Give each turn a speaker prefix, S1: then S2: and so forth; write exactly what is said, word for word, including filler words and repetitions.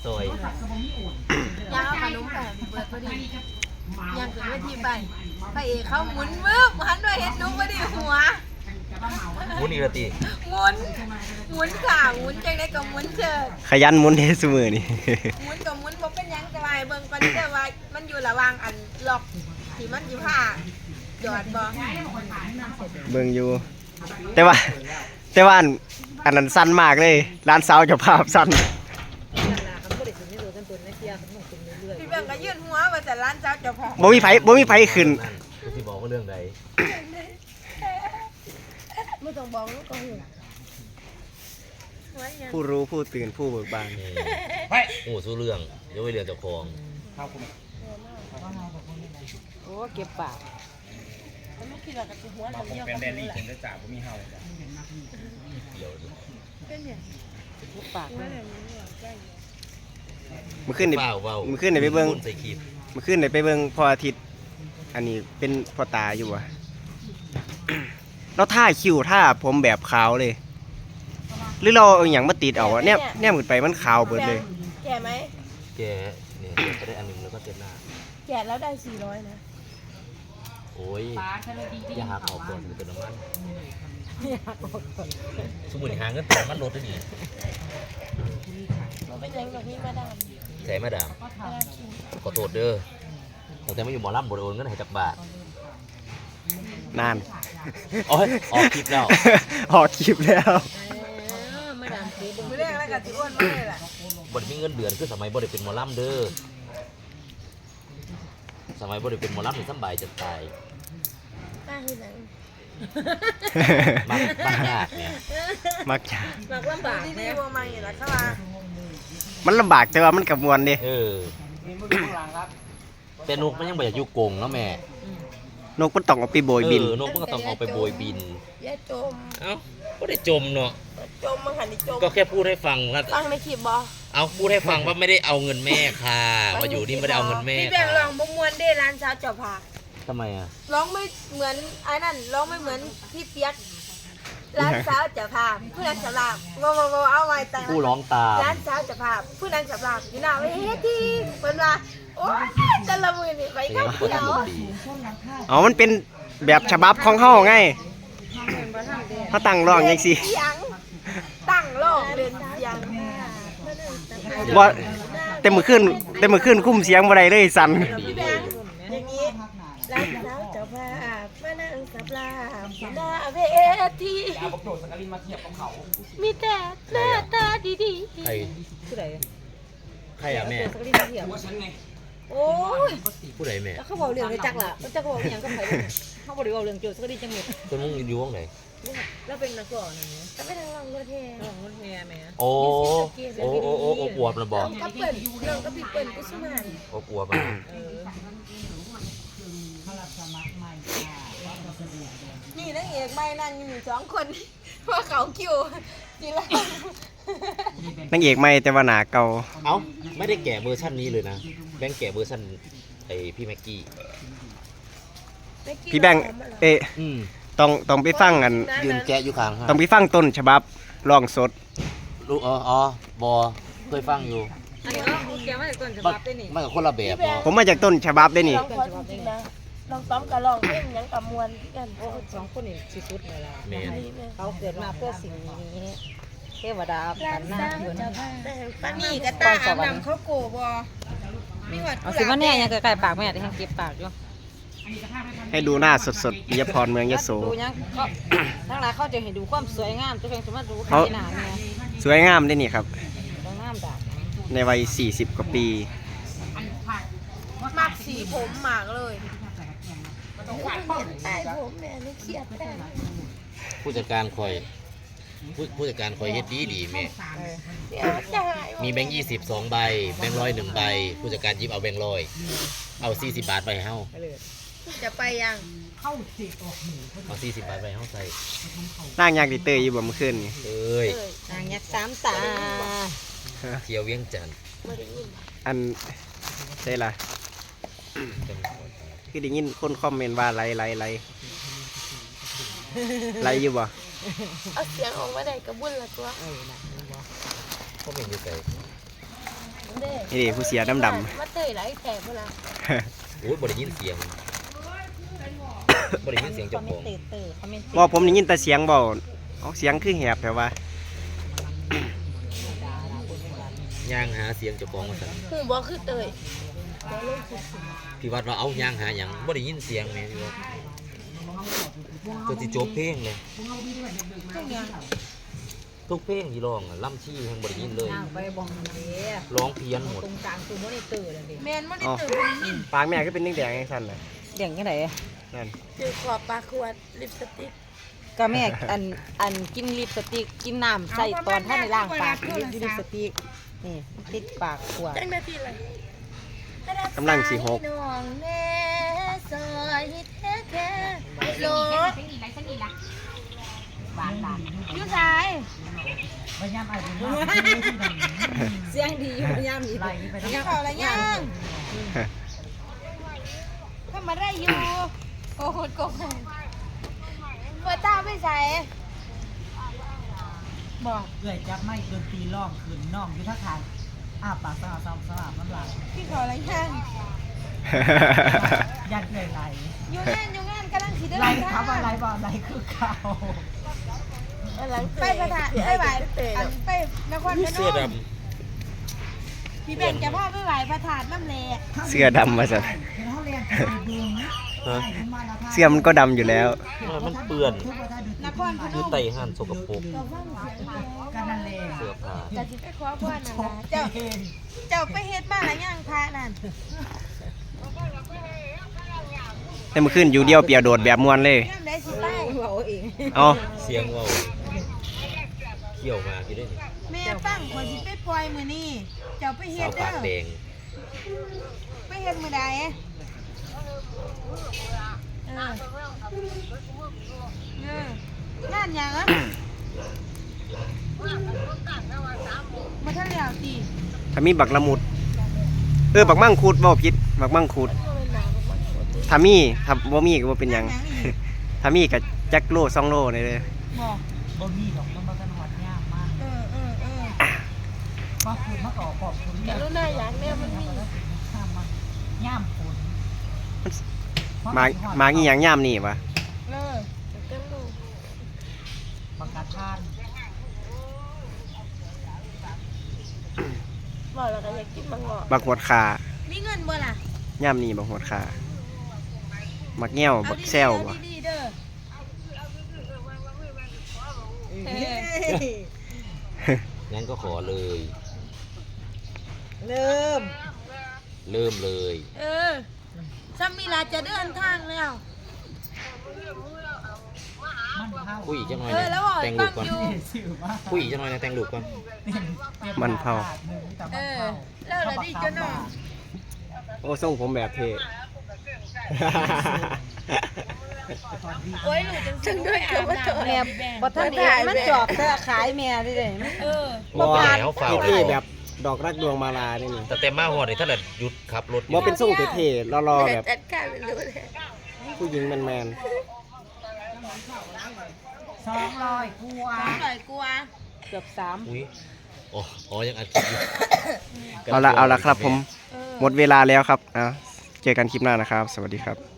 S1: ซอย
S2: ยาวขนมแบบเบิดพอดียังถึงเวทีไปพระเอกเขาหมุนมึบหันด้วยเห็นนุ๊กพอดีหัว
S1: หมุนอีกละตี
S2: หมุนหมุนขาหมุนจังได้ก็หมุนเชิด
S3: ขยันหมุนเทสมือนี่
S2: หมุนกับหมุนบ่เป็นยังจะไปเบิ่งก่อนเด้อว่ามันอยู่ระหว่างอันล็อกที่มันอยู่ผ้าหยอดบ่
S3: เบิ่งอยู่แต่ว่าแต่ว่าอันนั้นสั้นมากเลยร้านสาวจะภาพสั้น
S2: พี่เบิ่งก็ยื่นหัวว่าแต่ร้านเจ้าเจ้าพ่อ
S3: บ่มีไผบ่มีไผขึ้น
S1: ที่บอกว่าเรื่องใด
S2: ไม่ต้องบอกลูกก็หู
S3: ผู้รู้ผู้ตื่นผู้เบิกบาน
S1: โอ้สู้เรื่องเดี๋ยวไปเรื่องเจ้าของ
S2: โอ้เก็บปากลูกคิดว่ากับหัวเราเยอะเป็นแดนนี่ผมจะจ่าผมมีเห่า
S1: เดี๋ยว
S2: เป็นเนี่ยลูกปาก
S3: มันขึ้นในมันขึ้นในไปเบิ้งมันขึ้นในไปเบิ้งพออาทิตย์อันนี้เป็นพอตาอยู่อะแล้วท่าคิวท่าผมแบบขาวเลยหรือเราเอาอย่างมาติดเอาอะเนี่ยเนี่ยหมดไปมันขาวเบิดเลย
S2: แก่ไหม
S1: แก่เนี่ยจะได้อันนึงแล้วก็เต็มหน้า
S2: แก่แล้วได้สี่ร้อยนะ
S1: โอ้ยอย่าหักออกก่อนมันเป็นน้ำมันสมุนหางเงินแต่มันลดได้ดี
S2: เราไปยังกับพี่มาดาม
S1: ใส่มาดามขอโทษเด้อแต่ไม่อยู่หมอลำบริโภคเงินให้จักบาท
S3: นาน
S1: โอ้ยออกคลิปแล้ว
S3: ออกคลิปแล้ว
S2: มาดามคลิปไม่ได้แล้วกับที่อ้วนไม่ได้แหละ
S1: บริมีเงินเดือนคือสมัยบริเป็นหมอลำเด้อสมัยบริเป็นหมอลำนี่สบายจะตาย
S2: ป้าที่ไหน
S1: มักมักยากเนี่ย
S3: มักยาก
S2: มักลำบากดีๆว่ามาอย่างไรครับว่า
S3: มันลำบากแต่ว่ามันกับมวลดิ
S1: เออแต่นกมันยังบ่อยากอยู่กรงเนาะแม่
S3: นกมันต้องเอาไปโบยบิน
S1: นกมันก็ต้องเอาไปโบยบิน
S2: อย่าจม
S1: เอ้าก็ได้จมเนาะ
S2: จมมันหันดิจม
S1: ก็แค่พูดให้ฟังว่า
S2: ฟังในคลิปบอ
S1: เอาพูดให้ฟังว่าไม่ได้เอาเงินแม่ค่ะมาอยู่นี่ไม่ได้เอาเงินแม่
S2: พี่แบงลองบมวนได้ร้านเช้าเจ้าผา
S1: ทำไมอ่ะ
S2: ร้องไม่เหมือนไอ้นั่นร้องไม่เหมือนพี่เปียกร้านเช้าเจ้าผาผู้นั้นสำหรับโมโมโมเอาไว้แต่
S1: ผู้ร้องตาม
S2: ร้านเช้าเจ้าผาผู้นั้นสำหรับอยู่หน้าเวทีเพิ่นว่าโอ้ยจะละมือนี่ไปข้าวเขียว
S3: อ๋อมันเป็นแบบฉบับของเฮาไงเขาตั้งร้องยังสิ
S2: ตั้งร้องเรียนยัง
S3: บ่เต็มมือขึ้นเต็มมือขึ้นคุ้มเสียงบ่ได้เลยสั่น
S2: อย่างนี้ร้านเช้าเจ้าผามานั่งสับลาหน้าเวทีมีแต่หน้าตาดีๆ
S1: ใคร
S2: ผู้ใด
S1: ใครอ่ะแม่
S2: โอ้ย
S1: ผู้ใดแม่
S2: เขาบอกเรื่องในจักล่ะจักบอกอย่างก็ใครเขาบอกเรื่องโจทย์สักดีจังหมด
S1: คนมึงอยู่วงไหน
S2: แล้วเป็นนักร้องอย่างนี้แต่ไม่ทางร้องรถแห่ร้องรถแห่แม่
S1: โอ้โอ้โอ้โอ้โอ้ปวดระบอก
S2: ก็เปิดเรื่องก็พี่เปิดกุศลาน
S1: โอ้ปวดมา
S2: นี่นางเอกไม่นั่งอยู่สองคนเพราะเขาคิวจีละ
S3: นางเอกไม่แต่ว่าหนาเก่า
S1: เอ้าไม่ได้แกะเวอร์ชันนี้เลยนะแบงค์แกะเวอร์ชันไอพี่แม็กกี้
S3: พี่แบงค์เอ๊ะต้องต้องไปฟังกัน
S1: ยืนแกะอยู่ข้าง
S3: ต้องไปฟังต้นฉบับร้องสด
S1: ลูกอ๋ออ๋อบอเคยฟังอยู่
S2: อันนี้เราแกะมาจากต้นฉบับได้นี่
S1: มันกับคนละแบบ
S3: ผมมาจากต้นฉบับได้นี่
S2: ลองซ้อมกับลองเพลงยังกับมวลกันโอ้สองคนนี่สุดๆเลยล่ะเขาเกิดมาเพื่อสิ่งนี้เทวดาปันหน้าเหมือนปันนี่กระตาอาบน้ำเขาโกบอมีวัด
S4: เอาสิว่าแน่ยังใกล้ๆปากแม่ที่ยังเก็บปากอยู่
S3: ให้ดูหน้าสดๆปิยพรเมืองยโส
S4: ดูยังทั้งหลายเขาจะเห็นดูความสวยงามตัวเองสามารถดูขนาดนี้
S3: สวยงามได้นี่ครับ
S4: งามดา
S3: ในวัยสี่สิบกว่าปี
S2: มากสีผมมากเลยใต้ผมแม่ไม่เครียดแต่
S1: ผู้จัดการคอยผู้ผู้จัดการคอยเฮ็ดดีดีแม่มีแบงค์ยี่สิบสองใบแบงค์ร้อยหนึ่งใบผู้จัดการยิบเอาแบงค์ร้อยเอาสี่สิบบาทไปให้เฮา
S2: จะไปยัง
S1: เอาสี่สิบบาทไปเฮาใส่
S3: นั่งยากดิเตยอยู่บ่เมื่อคืนนี่
S1: เอ้ย
S4: นางยักษ์สามตา
S1: เที่ยวเวียงจันทร์
S3: อันใช่ล่ะคือได้ยินคนคอมเมนต์ว่าไรไรไรไรอยู่บ่
S2: เอาเสียงออกมาได้กระบุ่นละตัว
S1: เขาเป็นอยู่ไกล
S2: ได้
S3: นี่ดิผู้เสียดำดำ
S2: มาเตยไหลแตกเวลา
S1: โอ้ยบ่ได้ยินเสียงบ่ได้ยินเสียงเจ้าของ
S4: เตะเตะเขาไม่
S3: บ่ผมได้ยินแต่เสียงเบาเอาเสียงคือแหบแต่ว่า
S1: ย่างหาเสียงเจ้าของมาสั่น
S2: คือบ่คือเตย
S1: พี่วัดว่าเอาย่างหาหยังบ่ได้ยินเสียงแม่พี่วัดตัวสิจบเพลงเลย
S2: ทุกอย่าง
S1: ทุกเพลงที่ร้องอะล่ำชี้ทั้งบ่ได้ยินเลย
S4: ย่างไปบองเลย
S1: ร้องเพี้ยนหมด
S4: ตรงกลางคือไม่ได้เตะเลยดิ
S2: แมนไม่ได้เตยคนนี้
S3: ปากแม่ก็เป็นแดงๆจังซั่นน่ะ
S4: เดี่ยงยังไง
S3: นั่น
S2: เจอขอบปลาขวดลิปสติก
S4: ก็แม่อันอันกินลิปสติกกินน้ำใส่ตอนท่านในล่างปากลิปลิปสติกนี่ติดปากขวด
S2: จังนาทีเลย
S3: กำลังสิหก
S2: น้องแน่ซอยแท้แท้โลยูสาย
S4: เสียงดีอยู่ย่ำดี
S2: ยังเข่าอะไรยังก็มาได้อยู่โกหกโกหกเปิดตาไม่ใส่บอก
S5: เกิดจับไม่ดนตรีร้องขืนน้องอยู่ท่าทางอ้าปากสลับสลับสลับน้ำลาย
S2: พี่เข่าอะไรยัง
S5: ยันเกิดไหล
S2: อยู่งานอยู่งานกำลังขี่เดิน
S5: ไหล
S2: ทาง
S5: เขาว่าไหลบ่ไหลคือเขา
S2: ไปประธานไปไหวอันไปนครพน
S1: เสื้อด
S2: มพี่เบนจะพาไปไหวประธานน้ำแหลก
S3: เสื้อดำมาซั่น
S5: เห็นเขาเรียนไปดูนะ
S1: ำฮะ
S5: มาแล้วค่ะ
S3: เสื้อมันก็ดำอยู่แล้ว
S1: มันเปื้อน
S5: ทุกว่าถ้าดู
S2: นครพน
S1: คือ
S2: ม
S1: ไตห่านสกปรก
S2: ก็ฟังเสียง
S5: กันนั่นเลย
S1: เสื้อผ้า
S2: จะสิไปขอพรนั่นล่ะเจ้าเจ้าไปเฮ็ดบ้านหรือยังพระนั่น
S3: แต่เมื่อคืนอยู่เดียวเปียโดดแบบม่วนเลย
S2: ย่ำได้สิไป
S4: เราเอง
S3: เอา
S1: เสียงเว้าเขี่ยวมาพี่ได้นี่
S2: แม่ฟังคนสิไปปล่อยมื้อนี้เจ้าไปเฮ็
S1: สา
S2: ด
S1: ว
S2: เด้
S1: ปากแด
S2: อง ไปเฮ็ดมื้อใดเออเอองานหยังอ่ะมาทันแล้วติ
S3: ถ้ามีบักละมุด เออบักมั่งคูดบ่ผิดบักมั่งคูดถ้ามีถ้าบ่มีก็บ่เป็นหยัง ถ้ามีก็จักโลสองโลนี่เลย
S2: บอก
S5: บ่มีดอกมันมากันหอดยากมาก
S2: เออเออเออ
S5: มาคืนมาต่อปอบคน
S2: ก
S5: เรียก
S2: รุณาอยากแน่มันมี
S5: ข้ามมันย่ามฝน
S3: มามาอีหยังยามนี่วะ
S2: เออเต็มลูก
S5: ปากกาทาน
S2: บอกแล้วก็อยากกินมังงะ
S3: บักหวดขา
S2: มีเงินบ่ล่ะ
S3: ยามนี่บักหวดขาบักแง้วบักแซว
S2: เอา
S3: บ่
S2: ดีๆเด้อเฮ้ย
S1: งั้นก็ขอเลย
S4: เริ่ม
S1: เริ่มเลย
S2: เออซัมมีลาจะเดินทางแล้ว
S5: มันเผา
S1: คุยอีกจังหน่อย
S2: เออ
S1: นะ
S2: แล้วบอก
S1: แต่ง
S2: ฟั
S1: ลู
S2: ง
S1: กก่อน
S2: อยู่
S5: สื่อว่า
S1: คุยอีกจังหน่อยนะแต่งลูกก่อน
S3: มันเผา
S2: เออ แล้วละดีจ้ะน้อง
S3: โอ้ทรงผมแบบเท่
S2: โอ้ยหนูจังด้วยกับว่าตัว
S4: แม่บ่ท่านเองมันจอบเธอขายแม่ดิเลย
S2: เออ
S1: บ่แล้วฝ่าว
S3: เท่
S1: แล้ว
S3: แบบดอกรักดวงมาลานี่นี่
S1: แต่เต็มมาหัวนี่ถ้าเกิดหยุดขับรถ
S3: บ่เป็นทรงเท่ๆรอๆแบบ
S2: จัดการไปเลย
S3: ผู้หญิงแมน
S5: สองร้อยกว่า
S2: อร่อยกว่า
S4: เกือบสาม
S1: อุ้ยอ๋ออ๋อยังอัดคลิปอยู่
S3: ๆเอาละเอาละครับผม
S2: เออ
S3: หมดเวลาแล้วครับอ่ะเจอกันคลิปหน้านะครับ สวัสดีครับ